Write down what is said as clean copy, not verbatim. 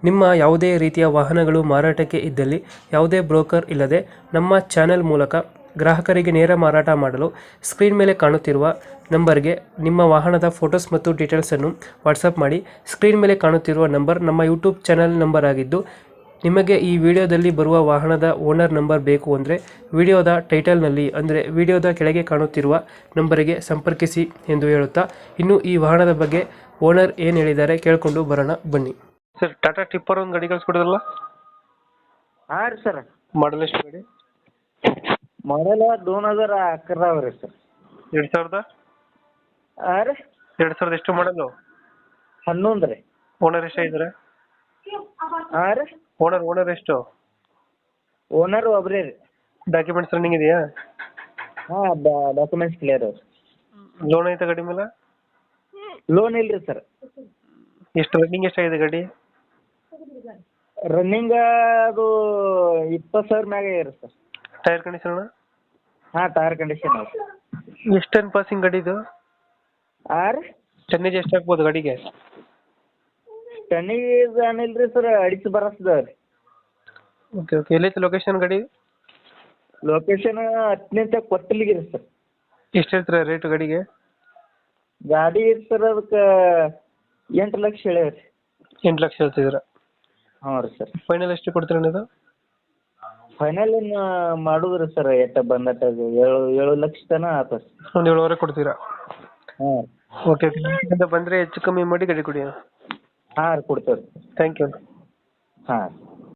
ನಿಮ್ಮ ಯಾವುದೇ ರೀತಿಯ ವಾಹನಗಳು ಮಾರಾಟಕ್ಕೆ ಇದ್ದಲ್ಲಿ ಯಾವುದೇ ಬ್ರೋಕರ್ ಇಲ್ಲದೆ ನಮ್ಮ ಚಾನೆಲ್ ಮೂಲಕ ಗ್ರಾಹಕರಿಗೆ ನೇರ ಮಾರಾಟ ಮಾಡಲು ಸ್ಕ್ರೀನ್ ಮೇಲೆ ಕಾಣುತ್ತಿರುವ ನಂಬರ್ಗೆ ನಿಮ್ಮ ವಾಹನದ ಫೋಟೋಸ್ ಮತ್ತು ಡೀಟೇಲ್ಸನ್ನು ವಾಟ್ಸಪ್ ಮಾಡಿ. ಸ್ಕ್ರೀನ್ ಮೇಲೆ ಕಾಣುತ್ತಿರುವ ನಂಬರ್ ನಮ್ಮ ಯೂಟ್ಯೂಬ್ ಚಾನೆಲ್ ನಂಬರ್ ಆಗಿದ್ದು, ನಿಮಗೆ ಈ ವಿಡಿಯೋದಲ್ಲಿ ಬರುವ ವಾಹನದ ಓನರ್ ನಂಬರ್ ಬೇಕು ಅಂದರೆ ವಿಡಿಯೋದ ಟೈಟಲ್ನಲ್ಲಿ ಅಂದರೆ ವಿಡಿಯೋದ ಕೆಳಗೆ ಕಾಣುತ್ತಿರುವ ನಂಬರಿಗೆ ಸಂಪರ್ಕಿಸಿ ಎಂದು ಹೇಳುತ್ತಾ, ಇನ್ನು ಈ ವಾಹನದ ಬಗ್ಗೆ ಓನರ್ ಏನು ಹೇಳಿದ್ದಾರೆ ಕೇಳಿಕೊಂಡು ಬರೋಣ ಬನ್ನಿ. ಸರ್, ಟಾಟಾ ಟಿಪ್ಪರ್ ಒಂದು ಗಾಡಿ ಕಳಿಸ್ಕೊಡೋದಲ್ಲ? ಹಾಂ ರೀ ಸರ್. ಮಾಡಲ್ ಎಷ್ಟು ಗಾಡಿ? ಮಾಡಲ್ 2011 ಅವ ರೀ ಸರ್. 2000? ಹಾಂ ರೀ. 2000 ಎಷ್ಟು ಮಾಡಲು? 11 ರೀ. ಓನರ್ ಎಷ್ಟಾಗಿದ್ದಾರೆ? ಹಾಂ ರೀ. ಓನರ್ ಎಷ್ಟು? ಓನರ್ ಒಬ್ಬರೇ ರೀ. ಡಾಕ್ಯುಮೆಂಟ್ಸ್ ರನ್ನಿಂಗ್ ಇದೆಯಾ? ಹಾಂ, ಡಾಕ್ಯುಮೆಂಟ್ಸ್ ಕ್ಲಿಯರ್ ಅವ. ಲೋನ್ ಐತೆ ಗಾಡಿ ಮೇಲೆ? ಲೋನ್ ಇಲ್ಲ ರೀ ಸರ್. ಎಷ್ಟು ರನ್ನಿಂಗ್ ಎಷ್ಟಾಗಿದೆ ಗಾಡಿ? ರನ್ನಿಂಗ್ ಅದು 20,000 ಮ್ಯಾಗ ಇದೆ ಸರ್. Tyre condition? ಹಾಂ, ಟೈರ್ ಕಂಡೀಷನ್ ಅವ. ಎಷ್ಟು ಟನ್ ಪಾಸಿಂಗ್ ಗಾಡಿ ಇದು? ಹಾಂ ರೀ. ಟನ್ನೇಜ್ ಎಷ್ಟು ಆಗ್ಬೋದು ಗಾಡಿಗೆ? ಟನ್ನಿಗೆ ಏನಿಲ್ಲ ರೀ ಸರ್, ಅಡಿಸಿ ಬರಸ್ತದ ರೀ. ಓಕೆ. ಎಲ್ಲೈತೆ ಲೊಕೇಶನ್ ಗಾಡಿ? ಲೊಕೇಶನ್ 10 ಕೊಟ್ಟಲಿಗೆ ರೀ ಸರ್. ಎಷ್ಟು ಹೇಳ್ತೀರಾ ರೇಟ್ ಗಾಡಿಗೆ? ಗಾಡಿ ಸರ್ ಅದಕ್ಕೆ 8 ಲಕ್ಷ ಹೇಳ್ಯಾರ. 8 ಲಕ್ಷ ಹೇಳ್ತಿದ್ದೀರಾ? ಹ್ಞೂ ರೀ ಸರ್. ಫೈನಲ್ ಎಷ್ಟು ಕೊಡ್ತೀರಾ ನೀವು? ಫೈನಲ್ ಏನು ಮಾಡುದ್ರಿ ಸರ್, ಎಟ್ಟ ಬಂದಟ 7 ಲಕ್ಷ ತನಕ ಆತ. ಒಂದು 7.5 ಕೊಡ್ತೀರಾ? ಹ್ಞೂ. ಓಕೆ. ಬಂದರೆ ಹೆಚ್ಚು ಕಮ್ಮಿ ಮಾಡಿ ಗಾಡಿ ಕೊಡಿ. ಹಾಂ ರೀ, ಕೊಡ್ತೇವೆ ರೀ. Thank you. ಹಾಂ.